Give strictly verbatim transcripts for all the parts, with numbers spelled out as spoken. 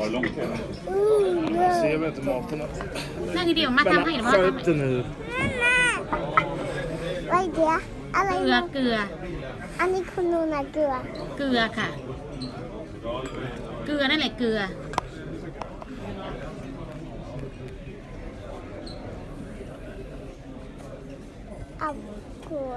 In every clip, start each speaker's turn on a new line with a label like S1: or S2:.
S1: Ser vi inte maten?
S2: นั่งเดียวมาทำให้หรือว่าทำ
S1: Skärp
S2: ให้
S1: dig nu.
S3: อะไรเดียวอะไร
S2: เกลือ
S3: นะ
S2: เกลือ
S3: อันนี้คุณนูนะเกลือ
S2: เกลือค่ะ เกลือนั่นแหละเกลือ
S3: เอาเกลือ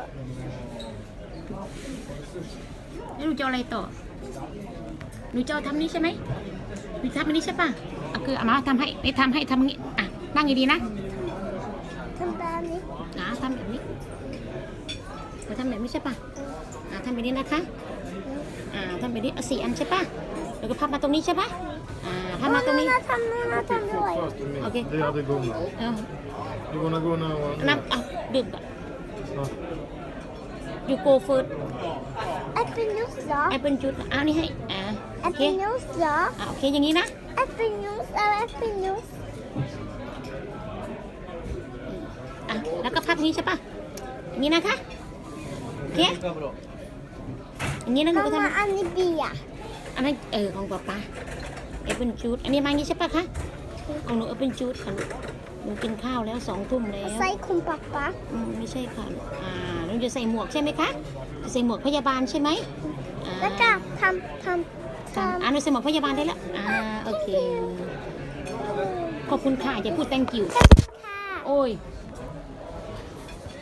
S2: แล้วหนูจะเอาอะไรต่อหนูจะเอาทำนี้ใช่ไหมหนูทำอันนี้ใช่ป่ะเอาเกลือเอามาทำให้ไม่ทำให้ทำอย่างนี้อ่ะนั่งดีๆนะ
S3: ทำแบบนี้
S2: นะทำแบบนี้เราทำแบบนี้ใช่ป่ะอ่าทำแบบนี้นะคะอ่าทำแบบนี้เอาสี่อันใช่ป่ะแล้วก็พับมาตรงนี้ใช่ป่ะอ่าพับมาตรงนี้
S3: นูทำนูนะทำด้วย
S1: Fast du
S2: Okej.
S1: minns. Det hade Gunnar.
S2: เอา
S1: Du gonna gå now.
S2: น้ำเอาดื่มก่อน
S1: Ja.
S2: you go first
S3: แอปเปิลนูสเหรอ
S2: แอปเปิลจุดเอานี่ให้อ่า
S3: แอ
S2: โอ
S3: ป
S2: เค
S3: เปิลนูสเหรอ
S2: อ่าโอเคอย่างนี้นะ
S3: แอปเปิลนูสเอาแอปเปิลนูส
S2: อ่ะแล้วก็พับนี้ใช่ป่ะอย่างนี้นะคะโอเคอย่างนี้นะหนู
S3: มา
S2: ก็ทำ
S3: มาอันนี้เบียร์
S2: อันนั้นเออของป๊าป๊าแอปเปิลจูดอันนี้มาอย่างนี้ใช่ปะคะของหนูแอปเปิลจูดค่ะลูกหนูกินข้าวแล้วสองทุ่มแล้ว
S3: ใส่คุณป๊าป๊า
S2: อืมไม่ใช่ค่ะลูกอ่าหนูจะใส่หมวกใช่ไหมคะจะใส่หมวกพยาบาลใช่ไหมอ่า
S3: แล้วก็ทำทำท
S2: อ่าหนูใส่หมวกพยาบาลได้แล้วอ่าโอเคขอบคุณค่ะอย่าพูด thank you
S3: ำค่ะ
S2: โอ้ย